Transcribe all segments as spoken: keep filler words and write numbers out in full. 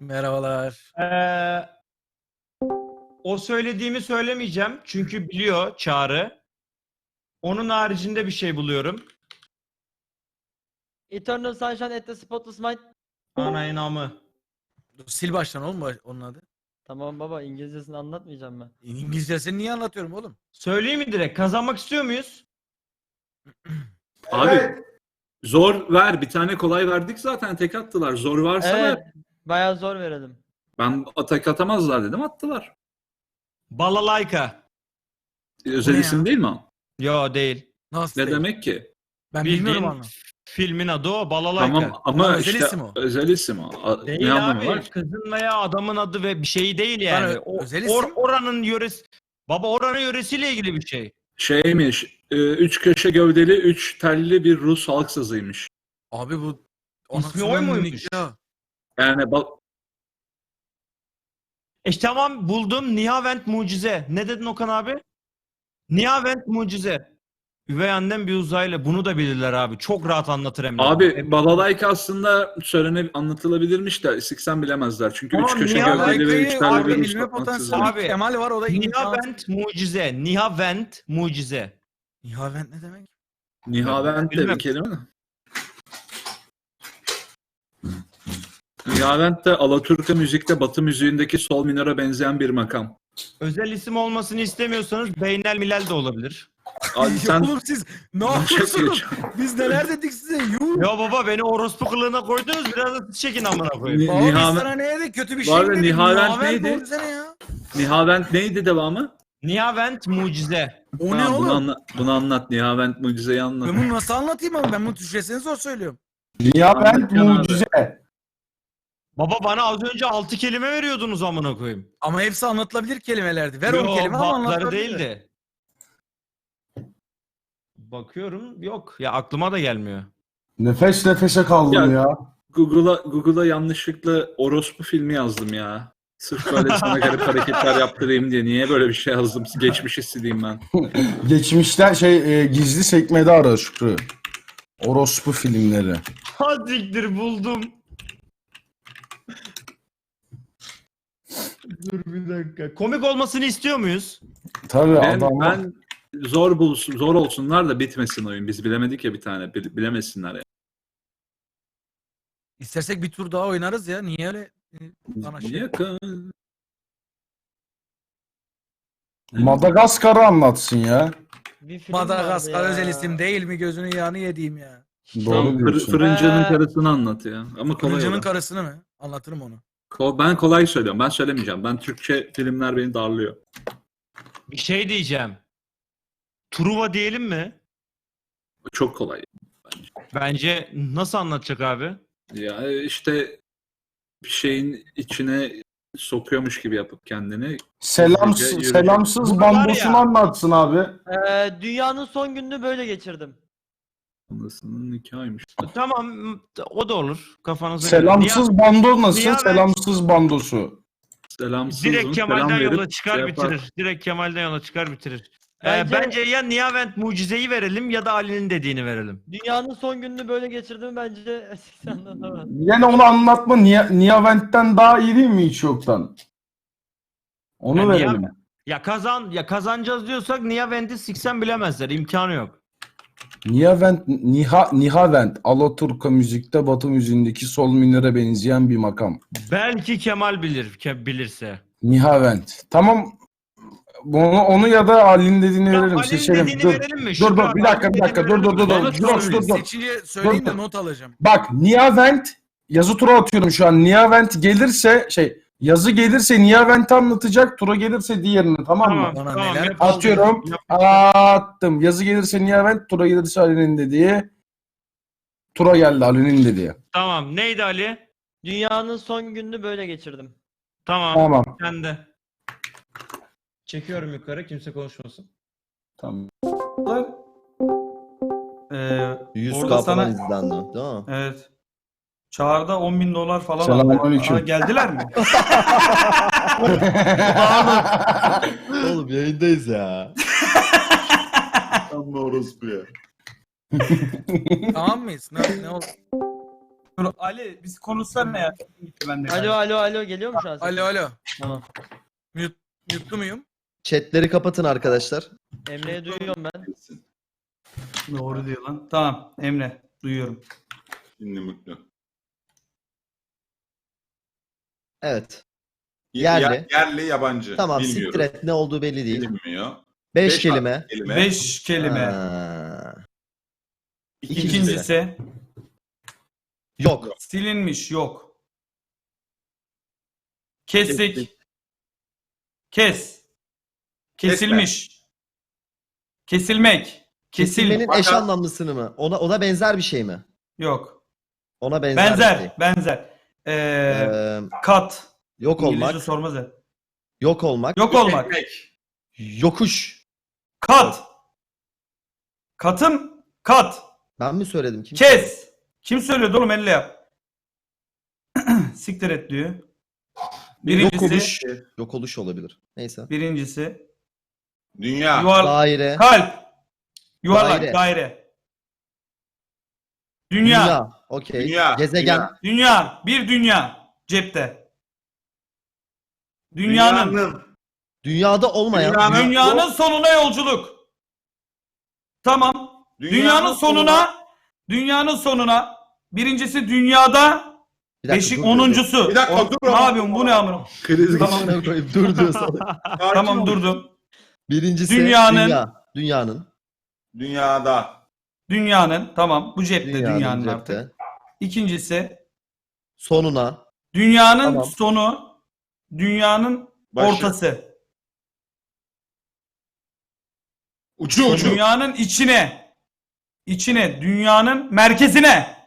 Merhabalar. Ee, o söylediğimi söylemeyeceğim. Çünkü biliyor Çağrı. Onun haricinde bir şey buluyorum. Eternal Sunshine at the Spotless Mind. Ana inamı. Dur, sil baştan oğlum bu- onun adı. Tamam baba, İngilizcesini anlatmayacağım ben. İngilizcesini niye anlatıyorum oğlum? Söyleyeyim mi direkt? Kazanmak istiyor muyuz? Abi zor ver. Bir tane kolay verdik zaten. Tek attılar. Zor varsa Evet, ver. bayağı zor verelim. Ben atak atamazlar dedim. Attılar. Balalayka. Özel ne isim ya? değil mi o? Yo değil. Nasıl Ne değil? demek ki? Ben Bildiğin bilmiyorum onu. filmin adı o. Balalayka. Tamam ama Ama özel işte isim o. özel isim o. A- Değil ne anlamı abi. var? Kızın veya adamın adı ve bir şey değil yani. ö- O, özel or- isim. oranın yöresi. Baba oranın yöresiyle ilgili bir şey. Şeymiş. e, Üç köşe gövdeli, üç telli bir Rus halk sazıymış. Abi bu İsmi anasının oy muymuş? nikahı. Yani ba- E tamam buldum. Nihavent Mucize. Ne dedin Okan abi? Nihavent Mucize. Üvey annem bir uzaylı. Bunu da bilirler abi. Çok rahat anlatır hem de. abi Balalayka aslında söylene anlatılabilirmiş de siksen bilemezler. Çünkü Tamam, üç köşe niye gövdeli ve üç Alayka'yı telli abi bir Rus bilme halk potansiyeli sazıymış. Abi, Kemal var, o da imkansız. Nihavent Mucize. Nihavent Mucize. Nihavent ne demek? Nihavent de Bilmem. bir kelime mi? Nihavent de Alaturka müzikte Batı müziğindeki sol minöre benzeyen bir makam. Özel isim olmasını istemiyorsanız Beynel Milal de olabilir. Abi sen Oğlum siz ne Başak yapıyorsunuz? geç. Biz neler dedik size? Yuh. Ya baba beni orospu kılığına koydunuz. Biraz da siz çekin amına koyayım. Ni- Abi biz Nihavent- sana ne dedik? Kötü bir Bu şey mi arada dedik? Nihavent neydi? ne oldu sana ya? Nihavent neydi devamı? Nihavent Mucize. O ne Tamam, oğlum? Bunu, anla- bunu anlat. Nihavent mucizeyi anlat. Ben bunu nasıl anlatayım abi? Ben bunu Türkçesini zor söylüyorum. Nihavent Anlatacağım abi. mucize. Baba bana az önce altı kelime veriyordunuz amına koyayım. Ama hepsi anlatılabilir kelimelerdi. Ver on Yo, kelime ama bazıları anlatılabilir. değildi. Bakıyorum yok. Ya aklıma da gelmiyor. Nefes nefese kaldım Ya- ya. Google'a Google'a yanlışlıkla orospu filmi yazdım ya. Sırf böyle sana garip hareketler yaptırayım diye. Niye böyle bir şey yazdım? Geçmişi sileyim ben. Geçmişten şey e, gizli sekmede ara Şükrü. Orospu filmleri. Hadiktir buldum. Dur bir dakika. Komik olmasını istiyor muyuz? Tabii Ben, adam ben zor bulsun, zor olsunlar da bitmesin oyun. Biz bilemedik ya bir tane. Bil- bilemesinler ya. İstersek bir tur daha oynarız ya. Niye öyle e, bana şey? Yakın. Madagaskar'ı anlatsın ya. Bir film vardı Madagaskar ya. özel isim değil mi? Gözünün yağını yediğim ya. Doğru Tamam, fır- diyorsun. fırıncının Ee, karısını anlat ya. Ama kolay Kılıcının olan. karısını mı? Anlatırım onu. Ko- Ben kolay söylüyorum. Ben söylemeyeceğim. Ben Türkçe filmler beni darlıyor. Bir şey diyeceğim. Truva diyelim mi? Çok kolay. Bence nasıl anlatacak abi? Ya işte bir şeyin içine sokuyormuş gibi yapıp kendini. Selamsız, Yürüyecek. selamsız Bunu var bambosunu ya. anlatsın abi. Ee, dünyanın son gününü böyle geçirdim. Anasının nikahıymış. Tamam o da olur. Kafanıza göre. Selamsız bando nasıl? Nihavent- Selamsız bandosu. Selamsız Direkt mı? Kemal'den Selam verip yola çıkar şey yapar. bitirir. Direkt Kemal'den yola çıkar bitirir. Ee, Bence- bence ya Nihavent Mucize'yi verelim ya da Ali'nin dediğini verelim. Dünyanın son gününü böyle geçirdim bence sen anlatamazsın. Yine onu anlatma. Niye, Nihavent'ten daha iyi değil mi hiç yoktan? Onu Yani verelim. Nihavent- Ya kazan ya kazanacağız diyorsak Nihavent'i siksen bilemezler. İmkanı yok. Nihavent, Niha, Nihavent, Alaturka müzikte Batı müziğindeki sol minöre benzeyen bir makam. Belki Kemal bilir ke- bilirse. Nihavent. Tamam. Bunu, onu ya da Ali'nin dediğini Ya verelim. Ali'nin Seçelim. dediğini Dur. verelim mi? Dur Şükrü dur abi, bir dakika Ali'nin bir dakika dediğini dur dur dur verelim mi? dur. Bana Dur dur dur. Seçince söyleyin Dur, de dur. not alacağım. Bak Nihavent yazı tura atıyorum şu an. Nihavent gelirse şey yazı gelirse Nihavent'i anlatacak. Tura gelirse diğerini, tamam mı? Tamam, Bana tamam. neler yap- Atıyorum. yap- Attım. Yazı gelirse Nihavent, tura gelirse Ali'nin dediği. Tura geldi Ali'nin dediği. Tamam. Neydi Ali? Dünyanın son gününü böyle geçirdim. Tamam. Tamam. Sen de. Çekiyorum yukarı. Kimse konuşmasın. Tamam. Ee, yüz orada K sana falan izlendi, değil mi? evet. Çağrı'da on bin dolar falan Selamünaleyküm. aldı. Aa, geldiler mi? Oğlum yayındayız ya. Amma orospu ya. Tamam mıyız? Ne, ne oldu? Dur Ali biz konuşsana ya. Ben de Alo alo alo geliyor mu şu an? sesin? Alo alo. Tamam. Mute, mute'lu muyum? Chatleri kapatın arkadaşlar. Emre'yi duyuyorum ben. Doğru diyor lan. Tamam Emre duyuyorum. Şimdi mutlu. Evet. Ya- Yerli. yerli yabancı. Tamam Bilmiyoruz. siktir et ne olduğu belli değil. Bilinmiyor. Beş Beş kelime. kelime. Beş kelime. Ha. İkincisi. İkincisi Yok. silinmiş yok. Kesik. Kestik. Kes. Kesilmiş. Kesilmek. Kesil. Kesilmenin eş Fakat- anlamlısını mı? Ona ona benzer bir şey mi? Yok. Ona benzer, bir şey. Benzer. Benzer. Ee, Ee, kat. yok İngilizce olmak. sormaz ya. Yok olmak. Yok olmak. Ekmek. Yokuş. Kat. Katım. Kat. Ben mi söyledim? Kim? Kes. Kim söylüyordu oğlum elle yap. Siktir et diyor. Yok Birincisi. oluş. Yok oluş olabilir. Neyse. Birincisi. Dünya. Yuvar, Daire. kalp. Yuvarlak. Daire. Daire. Dünya. Dünya. Dünya. Okey. Dünya. Gezegen. Dünya. Bir dünya. Cepte. Dünyanın. Dünyanın. Dünyada olmayan. Dünyanın- Dünyanın sonuna yolculuk. Tamam. Dünyanın, sonuna. Dünyanın sonuna. Birincisi dünyada. Bir dakika, Beşik dur, dur, onuncusu. Bir dakika, O- dur Ne ama. yapıyorsun bu ne amına? Kriz Tamam. dur. Koyayım, dur dur. sana. Sakin Tamam ol. durdum. Birincisi Dünyanın- dünya. Dünyanın. Dünyada. Dünyanın. Tamam bu cepte dünyanın, Dünyanın artık. cepte. İkincisi Sonuna. dünyanın Tamam. sonu. Dünyanın Başı. ortası. Ucu ucu. Dünyanın içine. İçine. Dünyanın merkezine.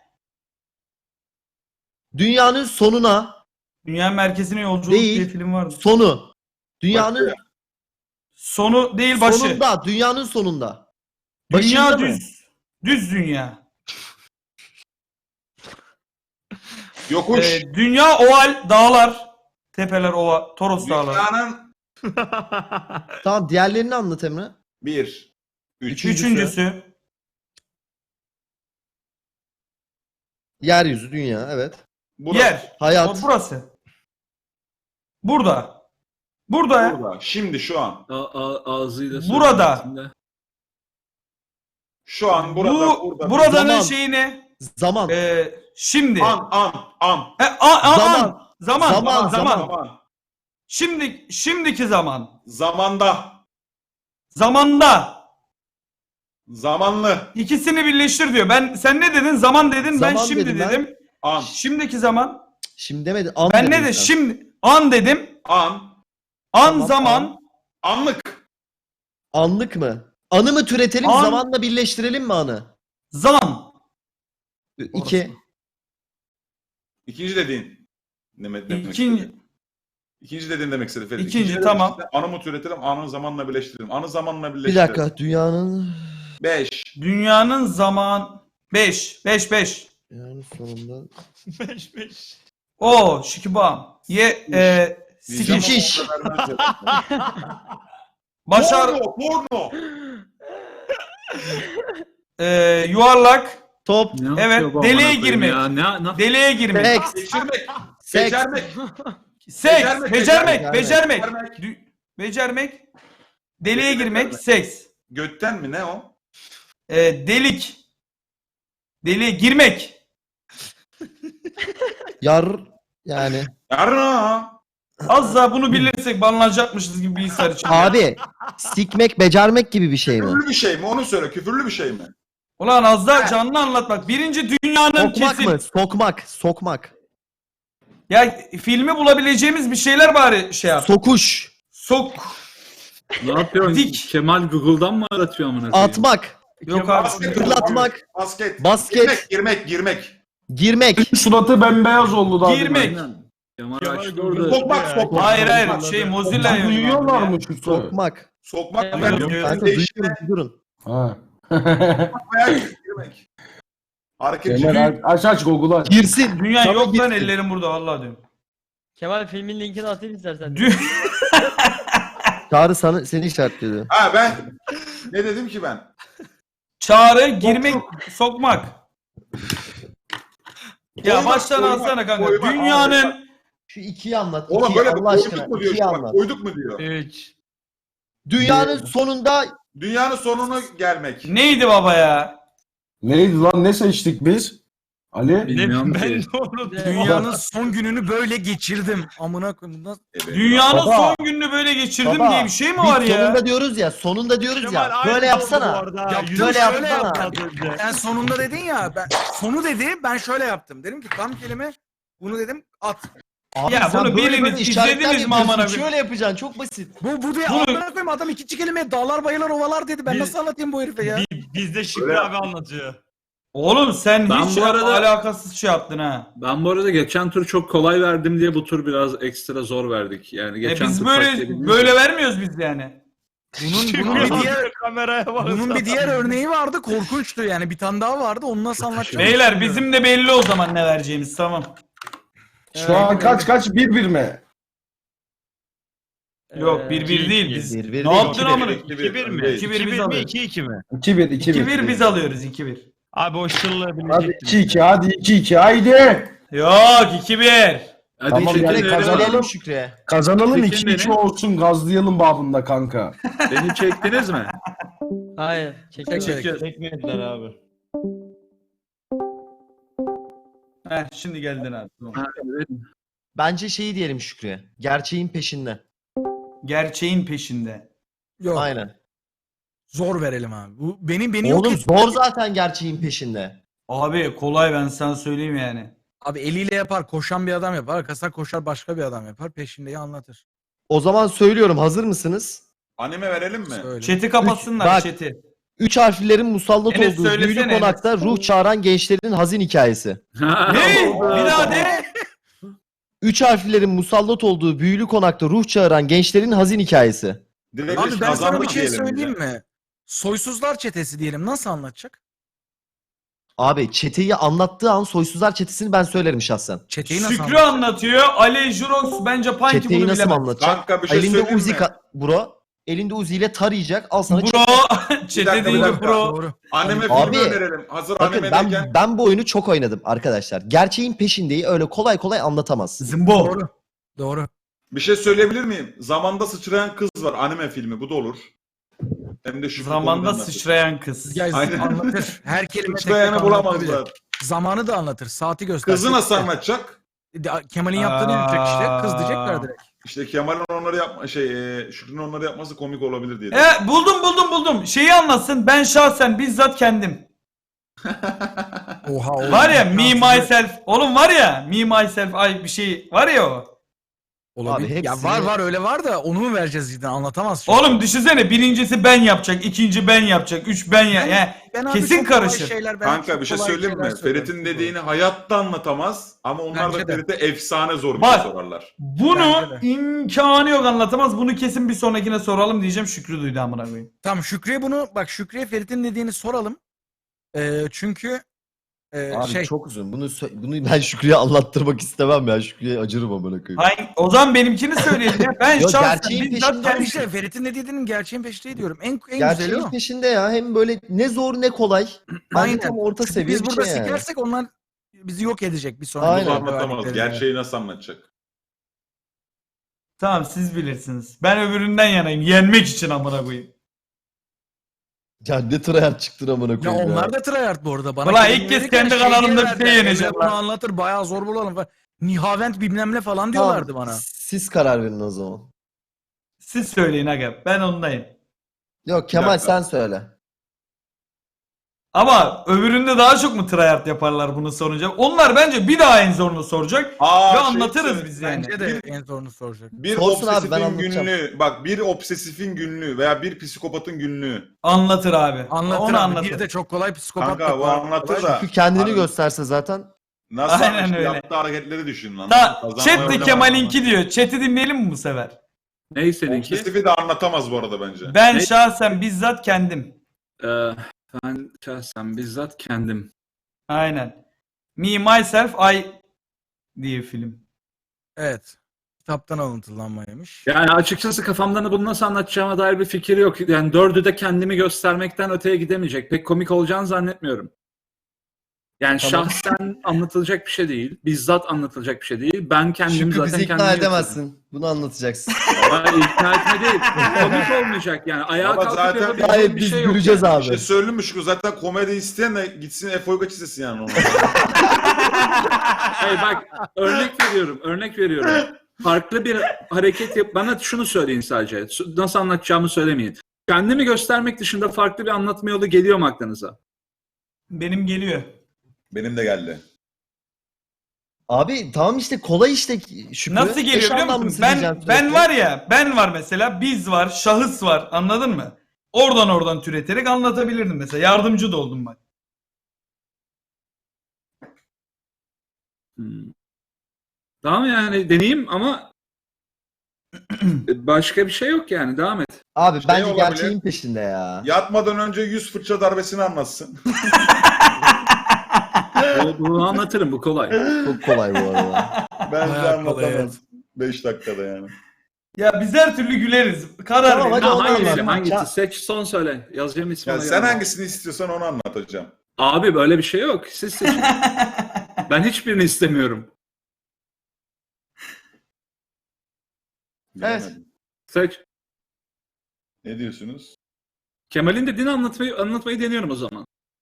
Dünyanın sonuna. Dünyanın merkezine yolculuk Değil. diye film vardı. Sonu. Dünyanın Başı. Sonu değil başı. sonunda. Dünyanın sonunda. Dünya Başında mı? düz. Düz dünya. Yokuş. Ee, dünya oval, dağlar. Tepeler ova, Toros dağları. Dünyanın Tamam diğerlerini anlat Emre. bir. Üç. Üçüncüsü. Üçüncüsü Yeryüzü, dünya, evet. Burası. yer. Hayat. O burası. Burada. Burada ya. Burada. Şimdi şu an. A- a- ağzıyla Burada. söylemesinde. Şu an burada. Bu burada. buradanın Zaman. şeyi ne? Zaman. Ee, şimdi. An an an. E, a- a- Zaman. an. Zaman. Zaman, Zaman. zaman. Zaman. Şimdi şimdiki zaman. Zamanda. Zamanda. Zamanlı. İkisini birleştir diyor. Ben sen ne dedin? Zaman dedin. ben Zaman şimdi dedim ben. dedim. An. Şimdiki zaman. Şimdi demedi. An Ben dedin ne de sen. şimdi an dedim. An. An Tamam, zaman. Anlık. Anlık mı? Anı mı türetelim, An- zamanla birleştirelim mi anı? Zan. İki. İkinci dediğin. Demek, demek İkinci. istedi. İkinci dediğin demek istedi Ferit. İkinci, dediğin tamam. işte, anı mı türetelim, anı zamanla birleştirelim. Anı zamanla Bir birleştirelim. dakika. Dünyanın... Beş. Dünyanın zaman beş beş beş. Dünyanın sonunda... O şikibam. Ye e, Diyeceğim sikiş. ama o kadar vermez ya. Başar Porno, porno. e, yuvarlak. Top. Ne Evet, yapıyor bu deliğe amına koyayım girmek. Ya? Ne, ne, Deliğe girmek. Seks. Geçirmek. Seks. Becermek. Seks. Becermek, Becermek. becermek. Becermek. Becermek. Dü- Becermek. Deliğe Becermek, girmek. becermek. Seks. Götten mi ne o? E, delik. Deliğe girmek. Yar... Yani... Yarına. Az daha bunu bilirsek banlanacakmışız gibi bilgisayar için. Abi, sikmek, becermek gibi bir şey mi? Küfürlü bir şey mi? Onu söyle. Küfürlü bir şey mi? Ulan az daha canlı anlatmak. Birinci dünyanın Sokmak kesin. mı? Sokmak. Sokmak. Ya filmi bulabileceğimiz bir şeyler bari şey yap. Sokuş. Sok. ne yapıyorsun? Dik. Kemal Google'dan mı aratıyor amına koyayım? Atmak. Yok abi. Basket. Fırlatmak. Basket. Basket. Girmek, girmek, girmek. Girmek. Suratı bembeyaz oldu daha. Girmek. Aynen. Kemal açtı orada. Sokmak, sokmak. Hayır hayır şey Mozilla demin. Duyuyorlar mı şu soru? Sokmak. Sokmak. Evet, Ben yok, Kanka değiştirmek, duyuyorum, durun. Ha. girmek. Hareket. Kemal aç aç Google'u aç. Girsin. Dünya Sana yok lan girsin. ellerim burada vallahi diyorum. Kemal filmin linkini atayım istersen. Dü- Çağrı sana, seni işaretliyor. Ha ben ne dedim ki ben? Çağrı girmek sokmak. Ya Koyma, baştan koyma, alsana kanka. koyma. Dünyanın Şu ikiyi anlat. Oğlum ikiyi, böyle bir Allah aşkına. koyduk mu diyor. ikiyi Bak, anlat. koyduk mu diyor. üç. Dünyanın sonunda Dünyanın sonuna gelmek. neydi baba ya? Neydi lan, ne seçtik biz? Ali? Bilmiyorum ben ki. de unuttum. Dünyanın son gününü böyle geçirdim. Amına koyayım. Bundan... Evet. Dünyanın Baba. son gününü böyle geçirdim Baba, diye bir şey mi biz var ya? sonunda diyoruz ya, sonunda diyoruz Kemal ya. aynı Böyle oldu bu yapsana. arada ha. Yaptım, Yüzü şöyle şöyle yapsana. yaptı az önce. Sen sonunda dedin ya. Ben, sonu dedi. Ben şöyle yaptım. Dedim ki tam kelime bunu dedim at. Abi Ya sen bunu böyle biriniz böyle işaretler izlediniz mi yapıyorsun. aman abi? Şöyle yapacaksın, çok basit. Bu bu diye Bunu- amına koyayım adam iki kelimeye dağlar bayırlar ovalar dedi. Ben Biz- nasıl anlatayım bu herife ya? Bi- Bizde Şükrü Öyle abi anlatıyor. Oğlum sen Ben hiç bu arada- alakasız şey yaptın ha. Ben bu arada geçen tur çok kolay verdim diye bu tur biraz ekstra zor verdik. Yani E geçen biz tur böyle taktiği böyle vermiyoruz biz yani. Bunun, bunun bir diğer kameraya bak. bunun bir diğer örneği vardı. Korkunçtu yani. Bir tane daha vardı. Onu nasıl anlatacağım? Beyler bilmiyorum. bizim de belli o zaman ne vereceğimiz, tamam. Şu an kaç kaç? Bir bir mi? Yok Ee, bir bir değil biz. Bir bir Ne değil. yaptın iki bir, amına? iki bir. iki bir mi? Değil. iki bir iki biz bir mi? alıyoruz. iki iki mi? iki bir iki bir. iki bir biz alıyoruz iki bir. Abi o şıllığı Hadi bilecektim. iki iki, hadi iki iki, haydi. Yok iki bir. Hadi Tamam, çekin yani beni. Kazanalım Şükrü'ye. Kazanalım, Çekin iki iki beni. olsun, gazlayalım babında kanka. Beni çektiniz mi? Hayır. Çekiyorum. Çek, çek. Çekmediler abi. Heh şimdi geldin abi. Tamam. Ha, evet. Bence şeyi diyelim Şükrü'ye. Gerçeğin peşinde. Gerçeğin peşinde. Yok. Aynen. Zor verelim abi. Bu benim beni yok Oğlum et. zor zaten gerçeğin peşinde. Abi kolay, ben sana söyleyeyim yani. Abi eliyle yapar. Koşan bir adam yapar. Arkasından koşar başka bir adam yapar. Peşindeyi anlatır. O zaman söylüyorum, hazır mısınız? Anime verelim mi? Söyle. Chat'i kapatsınlar, Bak. chat'i. Üç harflerin musallat Enes olduğu söylesene, büyülü konakta ruh çağıran gençlerin hazin hikayesi. Ne? Bir daha de. Üç harflerin musallat olduğu büyülü konakta ruh çağıran gençlerin hazin hikayesi. Direkt Abi biz ben sana kazandık bir şey diyelim söyleyeyim ya. mi? Soysuzlar çetesi diyelim. Nasıl anlatacak? Abi çeteyi anlattığı an soysuzlar çetesini ben söylerim şahsen. Çeteyi nasıl Şükrü anlatacak? anlatıyor. Ali Jurox bence Panki Çeteyi bunu nasıl bilemez. anlatacak? Kanka bir şey Elinde söyleyeyim Uzi mi? ka- bro. Elinde Uzi ile tarayacak. Al sana Bro. çete. Chat'e dakika, bir deyince dakika. bro. Doğru. Anime Abi, filmi önerelim. Hazır Bakın animedeyken. ben, ben bu oyunu çok oynadım arkadaşlar. Gerçeğin peşindeyi öyle kolay kolay anlatamaz. Zımbo. Doğru. Doğru. Bir şey söyleyebilir miyim? Zamanda sıçrayan kız var. Anime filmi. Bu da olur. Hem de şu Zamanda sıçrayan kız. Ya Aynen. anlatır. Her kelime tek tek Sıçrayanı anlatabilir. bulamazlar. Zamanı da anlatır. Saati gösterir. Kızı nasıl anlatacak? Kemal'in yaptığını yapacak işte. Kız diyecekler direkt. İşte Kemal'in onları yapma şey e, Şükrü'nün onları yapması komik olabilir diye. E buldum buldum buldum. Şeyi anlatsın. Ben şahsen bizzat kendim. Oha oğlum. Var ya me Fransızca- myself. Oğlum var ya me myself ay bir şey var ya o. Olabilir. Abi Ya hepsini- var var öyle var da onu mu vereceğiz cidden anlatamaz. çünkü. Oğlum düşünsene birincisi ben yapacak, ikinci ben yapacak, üç ben ya. Yani Ben abi kesin çok kolay karışır. şeyler- ben Kanka çok bir şey kolay söyleyeyim mi? şeyler söylerim. Ferit'in dediğini hayatta anlatamaz ama onlar Bence da de. Ferit'e efsane zor bir Bak. şey sorarlar. bunu Bence de. imkanı yok anlatamaz. Bunu kesin bir sonrakine soralım diyeceğim. Şükrü duydu amına koyayım. Tamam Şükrü'ye bunu bak Şükrü'ye Ferit'in dediğini soralım. Ee, çünkü e, Abi şey çok uzun. Bunu sö- bunu ben Şükrü'ye anlattırmak istemem ya. Şükrü'ye acırım amına koyayım. Hangi, o zaman benimkini söyleyelim ya. Ben Yok, şahsen gerçeğin bizzat peşinde ben kendim. işte Ferit'in ne dediğinin gerçeğin peşindeyi diyorum. En en güzeli Gerçeğin o. peşinde ya. Hem böyle ne zor ne kolay. Bence Aynen. tam orta Çünkü seviye biz bir burada şey yani. sikersek onlar bizi yok edecek bir sonraki. Aynen. Bunu bölümde anlatamaz. verdiklerinde. Gerçeği nasıl anlatacak? Tamam siz bilirsiniz. Ben öbüründen yanayım. Yenmek için amına koyayım. Ya ne tryhard çıktın amına Ya koyayım ya. onlar da tryhard bu arada. Bana Ulan kelime ilk kez verirken kendi şey kanalımda bir diyorlardı, şey yeneceğim Emre bunu lan. anlatır bayağı zor bulalım falan. Nihavent bilmem ne falan Tamam, diyorlardı bana. Siz karar verin o zaman. Siz söyleyin aga. Ben ondayım. Yok Kemal dakika. sen söyle. Ama öbüründe daha çok mu tryhard yaparlar bunu sorunca? Onlar bence bir daha en zorunu soracak. Aa, Ve şey anlatırız söyle. biz yani. Bence de en zorunu soracak. Bir Sorsun abi, obsesifin ben anlatacağım. günlüğü. Bak bir obsesifin günlüğü veya bir psikopatın günlüğü. Anlatır abi. Anlatır Onu abi. anlatır. Bir de çok kolay psikopat. Kanka da bu var. anlatır Kolay. da. Çünkü kendini Abi, gösterse zaten. Nasıl Aynen işte öyle. yaptığı hareketleri düşün lan. Ta, Kazanmayı chat de oynamaz. Kemal'inki diyor. Chat'i dinleyelim mi bu sefer? Ne seninki? Obsesifi de anlatamaz bu arada bence. Ben Ne? şahsen bizzat kendim. Ee, ben şahsen bizzat kendim. Aynen. Me, Myself, I diye film. Evet. Kitaptan alıntılanmaymış. Yani açıkçası kafamdan bunu nasıl anlatacağıma dair bir fikir yok. Yani dördü de kendimi göstermekten öteye gidemeyecek. Pek komik olacağını zannetmiyorum. Yani Tamam. şahsen anlatılacak bir şey değil. Bizzat anlatılacak bir şey değil. Ben kendim Şükrü zaten bizi ikna kendimi yapıyorum. edemezsin. Bunu anlatacaksın. Hayır, ikna etme değil. Komik olmayacak yani. Ayağa Ama kalkıp zaten- yapabileceğim Gayet bir biz şey yok. güleceğiz Bir abi. şey söyleyeyim mi Şükrü? Zaten komedi isteyen de gitsin Efe Uygaç izlesin yani onu. Hayır bak örnek veriyorum. Örnek veriyorum. Farklı bir hareket yap. Bana şunu söyleyin sadece. Nasıl anlatacağımı söylemeyin. Kendimi göstermek dışında farklı bir anlatma yolu geliyor mu aklınıza? Benim geliyor. Benim de geldi. Abi tamam işte kolay işte Şükrü. Nasıl geliyor Eş biliyor musun? anlamlısı Ben diyeceğim ben sürekli. var ya, ben var mesela, biz var, şahıs var. Anladın mı? Oradan oradan türeterek anlatabilirdim mesela. Yardımcı da oldum bak. Hmm. Tamam yani deneyeyim ama başka bir şey yok yani. Devam et. Abi Şey bence olabilir. gerçeğin peşinde ya. Yatmadan önce yüz fırça darbesini anlatsın. Bu- Bunu anlatırım. Bu kolay. Çok kolay bu arada. Bence Bayağı kolay, anlatamaz. beş dakikada yani. Ya biz her türlü güleriz. Karar Tamam, verin. hadi Ha, onu hangisi? anlat. Hangisi? Ya- Seç son söyle. Yazacağım ismi. Yani ona sen göre. hangisini istiyorsan onu anlatacağım. Abi böyle bir şey yok. Siz seçin. Ben hiçbirini istemiyorum. Evet. Bilemedim. Seç. Ne diyorsunuz? Kemal'in dediğini anlatmayı anlatmayı deniyorum o zaman.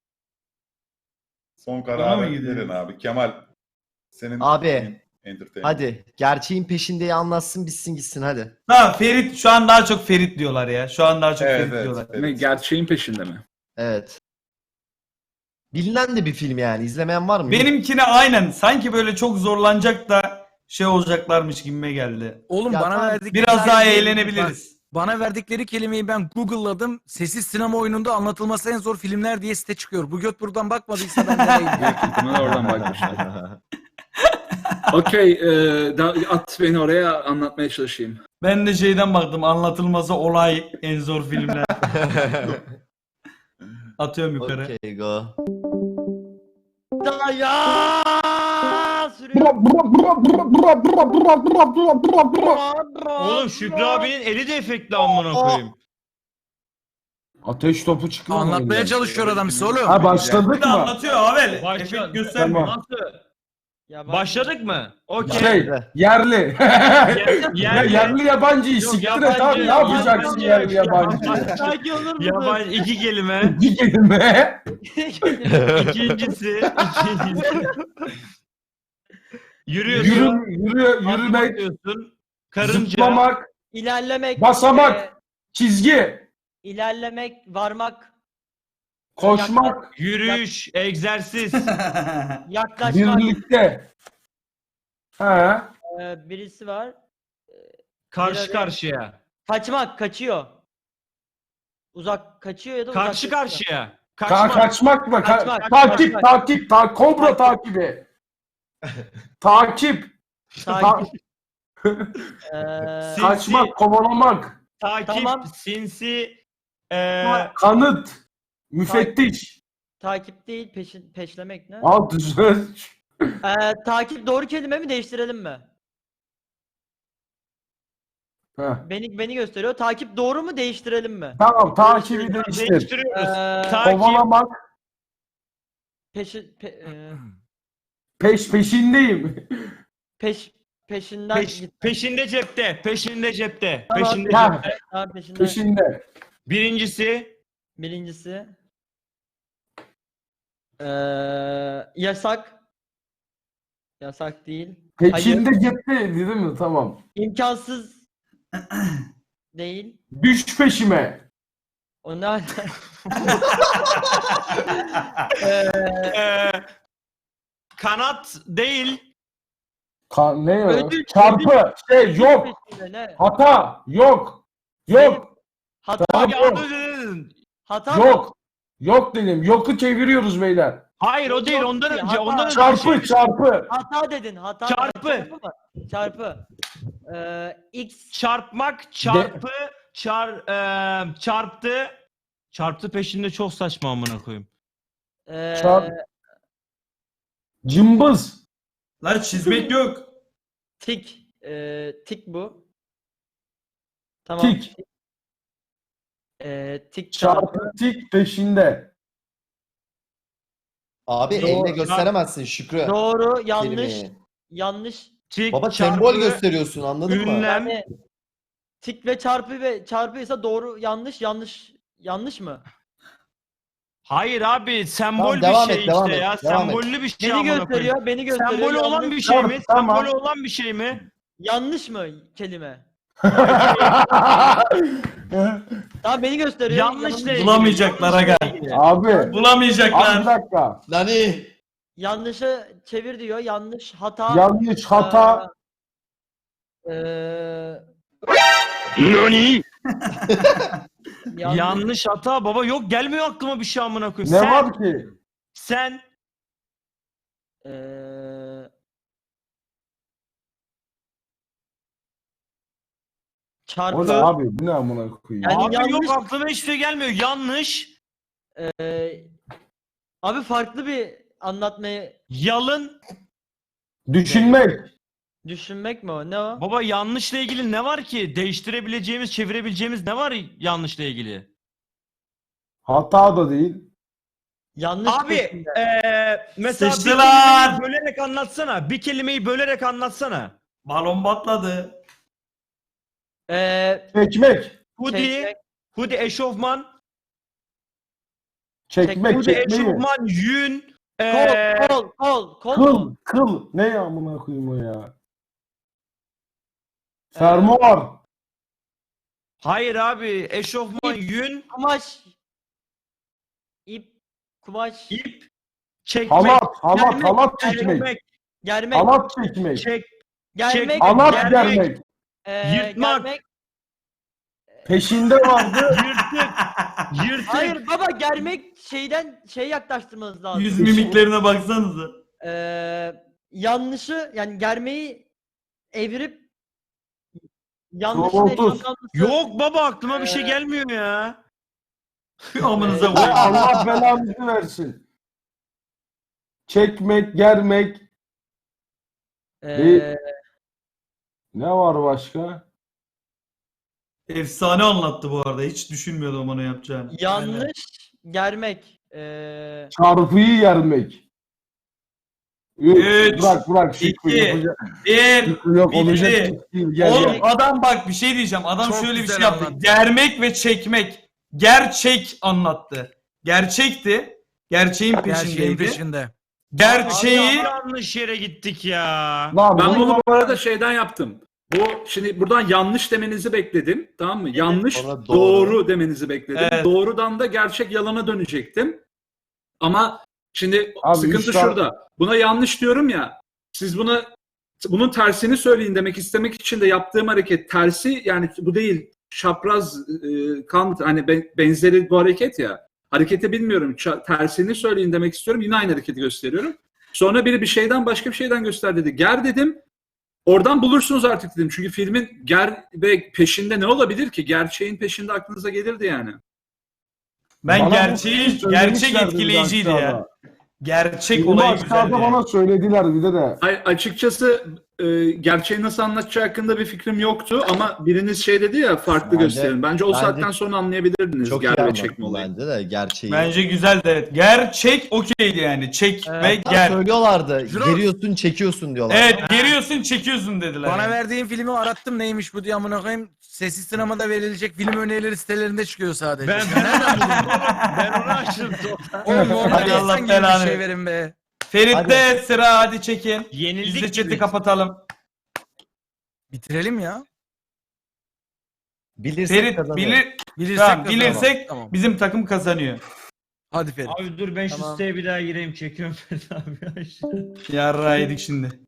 Son Bana mı kararı gidiyor? verin abi. Kemal senin Abi, en- entertainment. Hadi gerçeğin peşindeyi anlatsın bitsin gitsin hadi. Ha, Ferit, şu an daha çok Ferit diyorlar ya. Şu an daha çok Evet, Ferit evet, diyorlar. evet. Ne, gerçeğin peşinde mi? Evet. Bilinen de bir film yani. İzlemeyen var mı? Benimkine aynen sanki böyle çok zorlanacak da şey olacaklarmış gibime geldi. Oğlum Ya bana tamam, verdikleri Biraz daha kelimeyi- eğlenebiliriz. Bana verdikleri kelimeyi ben Google'ladım. Sessiz sinema oyununda anlatılması en zor filmler diye site çıkıyor. Bu göt buradan bakmadıysa ben de değilim. Büyük ihtimalle oradan bakmışlar. Okey. e, da- at beni oraya anlatmaya çalışayım. Ben de şeyden baktım, anlatılması olay en zor filmler. Atıyorum yukarı. Okey go. Da ya sürüyor. Oğlum Şükrü abinin eli de efektli amına koyayım. Ateş topu çıkıyor mu Anlatmaya oyundan? çalışıyor adam size oğlum. Ha başladık Bir de mı? anlatıyor abi. Başla- Efekt göstermiyor. Tamam. Nasıl? Ya ben- Başladık mı? Okey. Şey yerli. Ya, yerli yabancı Yok, siktir et yabancı- abi ne yapacaksın yabancı- yerli yabancı? Sanki olur mu? Yabancı iki kelime. Bir kelime. İkincisi, ikincisi. Yürüyorsun. Yürü, yürü, yürümek, Yürümek. Karınca. zıplamak, İlerlemek. Basamak. e, çizgi, ilerlemek, varmak, koşmak, Yürüyüş. Egzersiz. yaklaşmak. birlikte. Ha, E, birisi var. Karşı Bir karşıya. Kaçmak, kaçıyor. Uzak kaçıyor ya da uzak Karşı kaçıyor. karşıya. ka- Kaçmak. kaçmak mı? Ka- Kaçmak, takip, kaçmak. takip, ta kobra takibi. Takip, Takip. E, Sinsi. kaçmak, kovalamak, Takip. Tamam. Sinsi. Eee kanıt, müfettiş. takip değil, peşin, peşlemek ne? Al düzgün. E, takip doğru kelime mi, değiştirelim mi? Ha. Beni beni gösteriyor. Takip doğru mu, değiştirelim mi? Tamam takibi değiştir. değiştiriyoruz. Ee, Takip. Kovalamak, Peşi, pe, e, peş peşindeyim. peş peşinden Peş- git. peşinde cepte. Peşinde cepte. Tamam. Peşinde Ha. cepte. Ha, peşinden. Peşinde. Birincisi. Birincisi. Ee, yasak. Yasak değil. Peşinde gitti değil mi? Tamam. İmkansız değil. Düş peşime. O ne? ee, Eee kanat değil. Ka- ne ya? Ödül- Çarpı. Şey yok. peşinde ne? Hata. Yok. Yok. Hata. Tamam, Ya yok. az önce dedin. Hata mı? Yok. Yok dedim. Yoku çeviriyoruz beyler. Hayır o değil Yok ondan ki, önce. hata. Ondan önce bir Çarpı şey- çarpı. Hata dedin. Hata. Çarpı. Çarpı mı? Çarpı. Ee, X. Çarpmak, çarpı, çar, eee, çarptı. Çarptı peşinde çok saçma amına koyayım. Ee, Çarp. Cımbız. Lan çizmek yok. Tik. Ee, tik bu. Tamam. Tik. Ee, tik çarpı. Çarpı tik peşinde. Abi Doğru. elle gösteremezsin Şükrü. Doğru, yanlış, kelimeyi. yanlış. Tik, Baba çarpı, sembol gösteriyorsun anladın mı? ünlem. Yani tik ve çarpı ve çarpıysa doğru, yanlış, yanlış, yanlış mı? Hayır abi sembol Tamam, bir devam şey et, devam işte et, ya. devam et. Sembollü bir şey Beni amına koyayım. gösteriyor, beni gösteriyor. Sembolü olan yanlış, bir şey mi? Tamam. Sembolü olan bir şey mi? yanlış mı kelime? Tamam beni gösteriyor. Yanlış yanlış, değil. Bulamayacaklar aga. Abi. Abi bir Bulamayacaklar. dakika. Nani? Yanlışı çevir diyor. Yanlış, hata. Yanlış, hata. Eee Nani? yanlış. Yanlış hata baba yok gelmiyor aklıma bir şey amına koyayım. Ne sen, var ki? Sen Eee O ne çarpı. abi? Bu ne amına koyayım? Yani abi yanlış- yok aklıma hiçbir şey gelmiyor. Yanlış. Eee abi farklı bir anlatmayı Yalın. Düşünmek. düşünmek mi o? Ne o? Baba yanlışla ilgili ne var ki? Değiştirebileceğimiz, çevirebileceğimiz ne var yanlışla ilgili? Hata da değil. Yanlış Abi peşinde. eee mesela bir Sıçtılar. kelimeyi bölerek anlatsana. Bir kelimeyi bölerek anlatsana. Balon patladı. Eee Çekmek. Hoodie, çekmek, hoodie eşofman, Çekmek, hoodie çekmeyi. eşofman, yün, eee kol, kol, kol, kol Kıl, mu? kıl. Ne ya amına koyayım o ya? Fermuar. hayır abi eşofman, yün, Kumaş, ip, kumaş, ip, çekmek, Halat, halat, Germek, halat çekmek. çekmek, germek, Halat çekmek. çek, germek, çek- Halat germek. germek. eee, yırtmak. germek. Peşinde vardı. yırtık, yırtık. Hayır baba germek şeyden şey yaklaştırmanız lazım. Yüz mimiklerine baksanıza. Eee yanlışı yani germeyi evirip yanlış ne Doğrultuz. yanlışı- Yok baba aklıma bir şey Ee, gelmiyor ya. Amınıza Ve koyayım. Allah belanızı versin. Çekmek, germek. Eee, Ne var başka? Efsane anlattı bu arada. Hiç düşünmüyordum onu yapacağını. yanlış germek. Eee Çarpıyı yermek. Yok, Üç, bırak bırak Şükrü iki, yapacak. Bir. Şükrü yok bitti. olacak iş değil. Gel, Oğlum gel. adam bak bir şey diyeceğim. Adam Çok şöyle bir güzel şey yaptı. anlattı. Germek ve çekmek. Gerçek anlattı. Gerçekti. Gerçeğin Her şeyin peşindeydi. peşinde. Gerçeği Abi yanlış yere gittik ya. Lan Ben bunu bunu bu arada şeyden yaptım. Bu şimdi buradan yanlış demenizi bekledim. Tamam mı? Yanlış sonra doğru. doğru. demenizi bekledim. Evet. Doğrudan da gerçek yalana dönecektim. Ama şimdi Abi sıkıntı üç tane- şurada. Buna yanlış diyorum ya. Siz buna bunun tersini söyleyin demek istemek için de yaptığım hareket tersi yani bu değil. Çapraz e, kan hani be- benzeri bu hareket ya. Hareketi bilmiyorum. Ça- tersini söyleyin demek istiyorum. Yine aynı hareketi gösteriyorum. Sonra biri bir şeyden başka bir şeyden göster dedi. Ger dedim. Oradan bulursunuz artık dedim. Çünkü filmin ger ve peşinde ne olabilir ki? Gerçeğin peşinde aklınıza gelirdi yani. ben Bana bu gerçeği şeyi gerçek söylemişlerdi etkileyiciydi bir de ya. aşağıda. Gerçek Filmi olayı aşağıda güzeldi. bana söylediler bir de de. Ay, açıkçası e, gerçeği nasıl anlatacağı hakkında bir fikrim yoktu ama biriniz şey dedi ya farklı Bence- gösterin. Bence o bence saatten sonra anlayabilirdiniz Çok iyi ger ve anlattın çekme olayı. bence de gerçeği. Bence güzeldi evet. Gerçek okeydi yani. Çek Evet. ve Hatta ger. söylüyorlardı. Juro- Geriyorsun çekiyorsun diyorlar. Evet geriyorsun çekiyorsun dediler. Bana yani. verdiğin filmi arattım neymiş bu diye amına koyayım. Sessiz sinemada verilecek film önerileri sitelerinde çıkıyor sadece. Ben ben, ben onu açtım. Oğlum Hadi ondan Allah insan gibi bir belanı şey versin. verin be. Ferit'te sıra hadi çekin. Biz de Yenildik chat'i biz. kapatalım. Bitirelim ya. Bilirsek Ferit kazanır. bilir, Bilirsek tamam, kazanalım. bilirsek Tamam. bizim takım kazanıyor. Hadi Ferit. Abi dur ben şu Tamam. siteye bir daha gireyim çekiyorum Ferit abi. Yarra yedik şimdi.